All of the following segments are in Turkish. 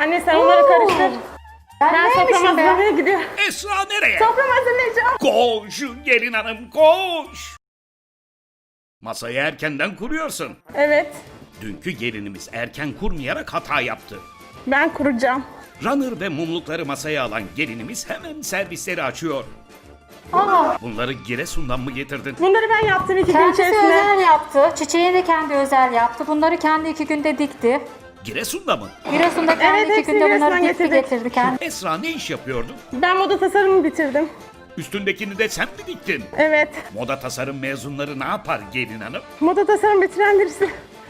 Anne sen onları karıştır. Ben soframı neymişim be? hazırlamaya gidiyorum. Esra nereye? Soframı hazırlayacağım. Koş gelin hanım koş. Masayı erkenden kuruyorsun. Evet. Dünkü gelinimiz erken kurmayarak hata yaptı. Ben kuracağım. Runner ve mumlukları masaya alan gelinimiz hemen servisleri açıyor. Aa, Bunları Giresun'dan mı getirdin? Bunları ben yaptım 2 gün kendisi içerisinde. özel yaptı. Çiçeği de kendi özel yaptı. Bunları kendi 2 günde dikti. Giresun'da mı? Giresun'da kendi Evet, 2 hepsini günde bunları Giresun'dan dikti getirdik. getirdi kendi. Esra ne iş yapıyordu? Ben moda tasarımı bitirdim. Üstündekini de sen mi diktin? Evet. Moda tasarım mezunları ne yapar gelin hanım? Moda tasarım bitiren birisi.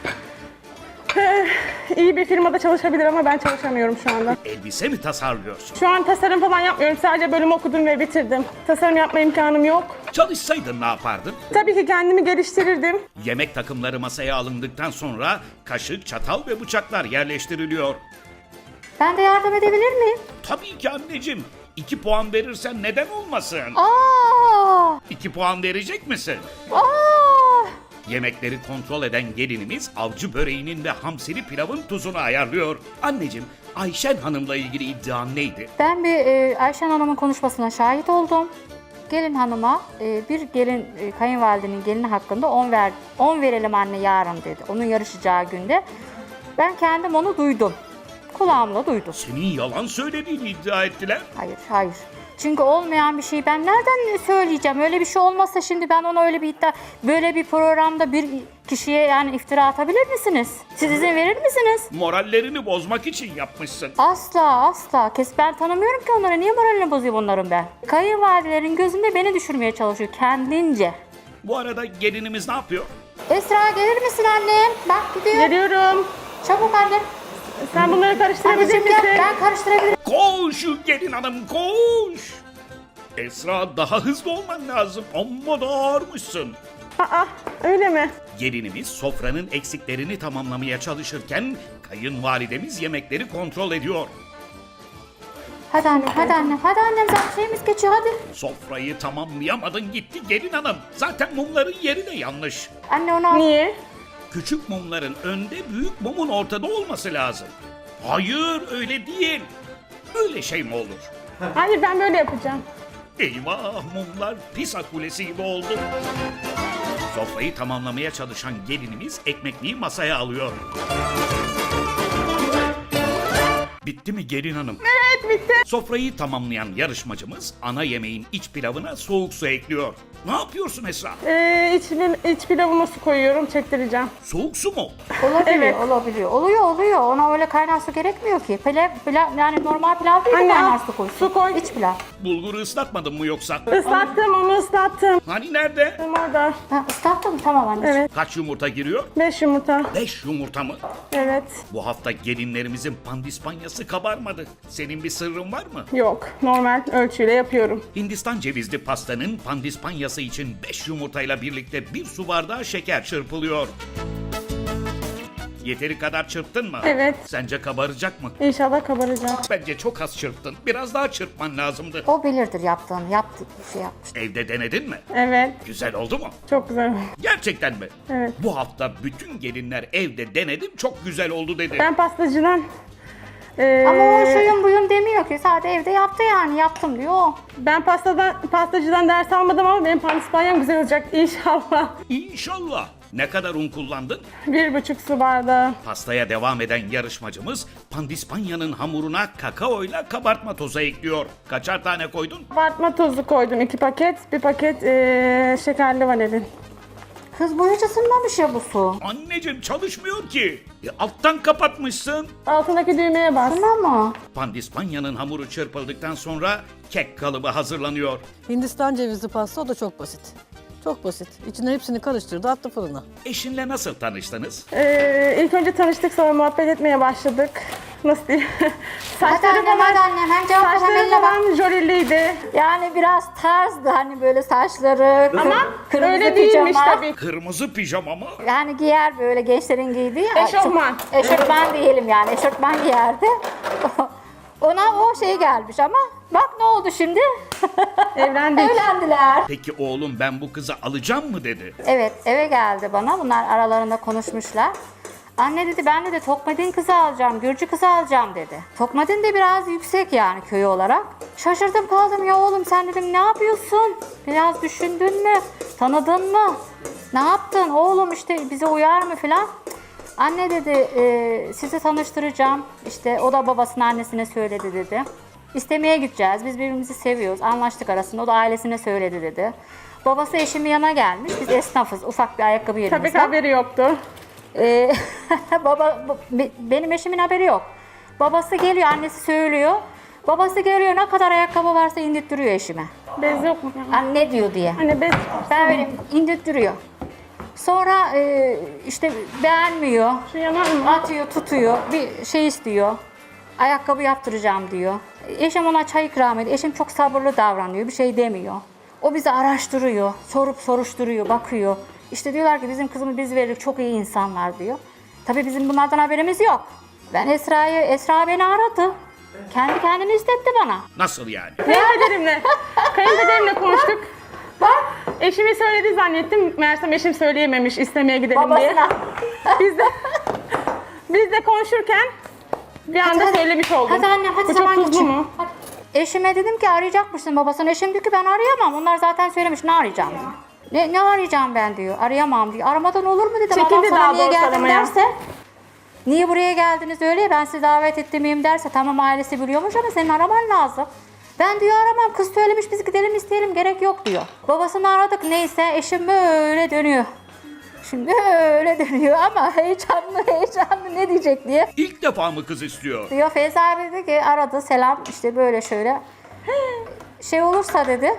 İyi bir firmada çalışabilir ama ben çalışamıyorum şu anda. Elbise mi tasarlıyorsun? Şu an tasarım falan yapmıyorum. Sadece bölüm okudum ve bitirdim. Tasarım yapma imkanım yok. Çalışsaydın ne yapardın? Tabii ki kendimi geliştirirdim. Yemek takımları masaya alındıktan sonra kaşık, çatal ve bıçaklar yerleştiriliyor. Ben de yardım edebilir miyim? Tabii ki anneciğim. 2 puan verirsen neden olmasın? Aa! 2 puan verecek misin? Aa! Yemekleri kontrol eden gelinimiz avcı böreğinin ve hamsili pilavın tuzunu ayarlıyor. Anneciğim, Ayşen Hanım'la ilgili iddian neydi? Ben bir Ayşen Hanım'ın konuşmasına şahit oldum. Gelin hanıma bir gelin kayınvalidenin gelini hakkında 10 verelim anne yarın dedi. Onun yarışacağı günde. Ben kendim onu duydum. Kulağımla duydum. Senin yalan söylediğini iddia ettiler. Hayır, hayır. Çünkü olmayan bir şeyi ben nereden söyleyeceğim? Öyle bir şey olmazsa şimdi ben ona öyle bir iddia, böyle bir programda bir kişiye yani iftira atabilir misiniz? Siz izin verir misiniz? Morallerini bozmak için yapmışsın. Asla, asla. Ben tanımıyorum ki onları. Niye moralini bozuyor bunların ben? Kayınvalidelerin gözünde beni düşürmeye çalışıyor kendince. Bu arada gelinimiz ne yapıyor? Esra gelir misin annem? Bak gidiyor. Geliyorum. Çabuk annem. Sen bunları karıştırabilir Anneciğim gel. misin? Ben karıştırabilirim. Koş gelin hanım koş. Esra daha hızlı olman lazım. Amma da ağırmışsın. Aa, öyle mi? Gelinimiz sofranın eksiklerini tamamlamaya çalışırken kayınvalidemiz yemekleri kontrol ediyor. Hadi annem, hadi annem. Hadi annem zaten şeyimiz geçiyor hadi. Sofrayı tamamlayamadın gitti gelin hanım. Zaten mumların yeri de yanlış. Anne onu al. Niye? Küçük mumların önde, büyük mumun ortada olması lazım. Hayır öyle değil. Öyle şey mi olur? Hayır ben böyle yapacağım. Eyvah mumlar Pisa Kulesi gibi oldu. Sofrayı tamamlamaya çalışan gelinimiz ekmekliği masaya alıyor. Bitti mi gelin hanım? Evet bitti. Sofrayı tamamlayan yarışmacımız ana yemeğin iç pilavına soğuk su ekliyor. Ne yapıyorsun Esra? İç pilavıma su koyuyorum, çektireceğim. Soğuk su mu? Olabiliyor, Evet. olabiliyor. Oluyor. Ona öyle kaynar su gerekmiyor ki. Pilav, yani normal pilav değil de Anne, kaynar al, su koysun. su koy. İç pilav. Bulguru ıslatmadın mı yoksa? Islattım onu ıslattım. Hani nerede? Tam orada. Ha, ıslattın mı? Tamam anneciğim. Evet. Kaç yumurta giriyor? 5 yumurta. 5 yumurta mı? Evet. Bu hafta gelinlerimizin pandispanyası kabarmadı. Senin bir sırrın var mı? Yok. Normal ölçüyle yapıyorum. Hindistan cevizli pastanın pandispanyası için 5 yumurtayla birlikte 1 su bardağı şeker çırpılıyor. Yeteri kadar çırptın mı? Evet. Sence kabaracak mı? İnşallah kabaracak. Bence çok az çırptın. Biraz daha çırpman lazımdı. O bilirdir yaptığını. Yaptı bir şey yapmış. Evde denedin mi? Evet. Güzel oldu mu? Çok güzel. Gerçekten mi? Evet. Bu hafta bütün gelinler evde denedim çok güzel oldu dedi. Ben pastacıdan Ama o şuyun buyun demiyor ki. Sadece evde yaptı yani. Yaptım diyor o. ben pastacıdan ders almadım ama benim pandispanyam güzel olacak inşallah. İnşallah. Ne kadar un kullandın? 1,5 su bardağı. Pastaya devam eden yarışmacımız pandispanyanın hamuruna kakaoyla kabartma tozu ekliyor. Kaçar tane koydun? Kabartma tozu koydum 2 paket. 1 paket şekerli vanilin. Kız bu hiç ısınmamış ya bu su. Anneciğim çalışmıyor ki. Alttan kapatmışsın. Altındaki düğmeye bas. Tamam mı? Pandispanyanın hamuru çırpıldıktan sonra kek kalıbı hazırlanıyor. Hindistan cevizli pasta o da çok basit. Çok basit. İçine hepsini karıştırdı, attı fırına. Eşinle nasıl tanıştınız? İlk önce tanıştık sonra muhabbet etmeye başladık. Nasıl diyeyim? Hadi annem, hadi annem. Hem cevap ver hem saçları eline bak. falan jöleliydi. Yani biraz tarzdı hani böyle saçları. Ama kırmızı öyle değilmiş pijama. tabii. Kırmızı pijama mı? Yani giyer böyle gençlerin giydiği ya. Eşofman. Eşofman diyelim yani. Eşofman giyerdi. Ona o şey gelmiş ama bak ne oldu şimdi? Evlendik. Evlendiler. Peki oğlum ben bu kızı alacağım mı dedi. Evet eve geldi bana. Bunlar aralarında konuşmuşlar. Anne dedi ben de Tokmadin kızı alacağım, Gürcü kızı alacağım dedi. Tokmadin de biraz yüksek yani köy olarak. Şaşırdım kaldım ya oğlum sen dedim ne yapıyorsun? Biraz düşündün mü? Tanıdın mı? Ne yaptın? Oğlum işte bize uyar mı falan. Anne dedi sizi tanıştıracağım. İşte o da babasına annesine söyledi dedi. İstemeye gideceğiz. Biz birbirimizi seviyoruz. Anlaştık arasında. O da ailesine söyledi dedi. Babası eşimin yanına gelmiş. Biz esnafız. Ufak bir ayakkabı Tabii yerimizde. ki haberi yoktu. Benim eşimin haberi yok. Babası geliyor, annesi söylüyor. Babası geliyor, ne kadar ayakkabı varsa indirttiriyor eşime. Bez yok mu? Anne diyor diye. Hani bez Böyle indirttiriyor. Sonra işte beğenmiyor. şu yanar mı? Atıyor, tutuyor. Bir şey istiyor. Ayakkabı yaptıracağım diyor. Eşim ona çay ikram ediyor. Eşim çok sabırlı davranıyor. Bir şey demiyor. O bizi araştırıyor. Sorup soruşturuyor, bakıyor. İşte diyorlar ki bizim kızımı biz verdik. Çok iyi insanlar diyor. Tabii bizim bunlardan haberimiz yok. Ben Esra beni aradı. Kendi kendini istetti bana. Nasıl yani? Kayınpederimle konuştuk. Bak eşimi söyledi zannettim. Meğersem eşim söyleyememiş istemeye gidelim diye. Babasına. Biz de konuşurken bir anda hadi. söylemiş oldum. Hadi annem hadi Bu zaman çok tuzlu geçiyor. mu? Hadi. Eşime dedim ki arayacakmışsın babasını. Eşim diyor ki ben arayamam. Onlar zaten söylemiş ne arayacağım diyor. Ne arayacağım ben diyor. Arayamam diyor. Aramadan olur mu dedim. Çekildi Adam sana daha niye doğrusu geldin aramaya. derse. Niye buraya geldiniz öyle ya ben sizi davet ettiğimiyim derse tamam ailesi biliyormuş ama senin araman lazım. Ben diyor aramam kız söylemiş biz gidelim isteyelim gerek yok diyor. Babasını aradık neyse eşim böyle dönüyor. Şimdi öyle dönüyor ama heyecanlı ne diyecek diye. İlk defa mı kız istiyor? Diyor Feyza abi dedi ki aradı selam işte böyle şöyle. Şey olursa dedi.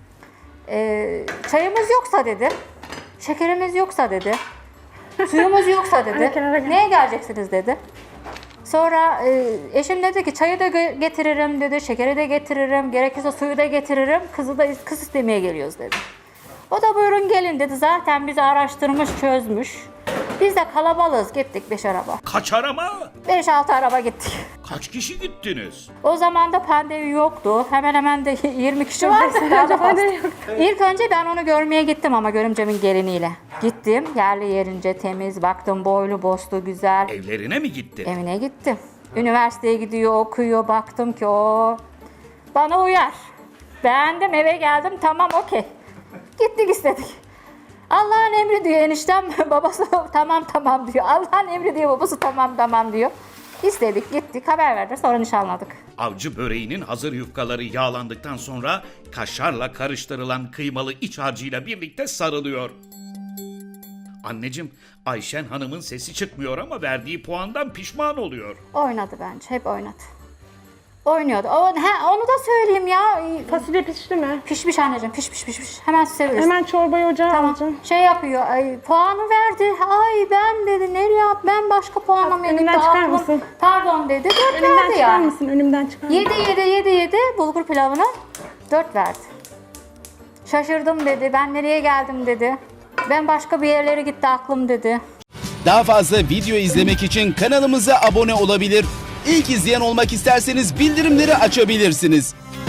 Çayımız yoksa dedi. Şekerimiz yoksa dedi. Suyumuz yoksa dedi. kenara gel. Neye geleceksiniz dedi. Sonra eşim dedi ki çayı da getiririm dedi. Şekeri de getiririm. Gerekirse suyu da getiririm. Kız istemeye geliyoruz dedi. O da buyurun gelin dedi. Zaten bizi araştırmış çözmüş. Biz de kalabalığız gittik 5 araba. Kaç arama? 5-6 araba gittik. Kaç kişi gittiniz? O zaman da pandemi yoktu. Hemen hemen de 20 kişi vardı. Daha da fazla. İlk önce ben onu görmeye gittim ama görümcemin geliniyle. Gittim yerli yerince temiz baktım boylu boslu güzel. Evlerine mi gitti? Evine gittim. Üniversiteye gidiyor okuyor baktım ki o bana uyar. Beğendim eve geldim tamam okey. Gittik istedik. Allah'ın emri diyor eniştem babası tamam diyor. Allah'ın emri diyor babası tamam diyor. İstedik gittik haber verdi sonra nişanladık. Avcı böreğinin hazır yufkaları yağlandıktan sonra kaşarla karıştırılan kıymalı iç harcıyla birlikte sarılıyor. Anneciğim, Ayşen Hanım'ın sesi çıkmıyor ama verdiği puandan pişman oluyor. Oynadı bence hep oynadı. Oynuyordu. Onu da söyleyeyim ya. Fasulye pişti mi? Pişmiş anneciğim piş. Hemen süsebiliriz. Hemen çorbayı ocağa Tamam. alacağım. Şey yapıyor. Puanı verdi. Ay ben dedi nereye at? Ben başka puanlamaya Önümden gitti çıkar aklım. mısın? Pardon dedi. 4 Önümden verdi çıkar yani. mısın? Önümden çıkar mısın? Yedi bulgur pilavına 4 verdi. Şaşırdım dedi. Ben nereye geldim dedi. Ben başka bir yerlere gitti aklım dedi. Daha fazla video izlemek için kanalımıza abone olabilir. İlk izleyen olmak isterseniz bildirimleri açabilirsiniz.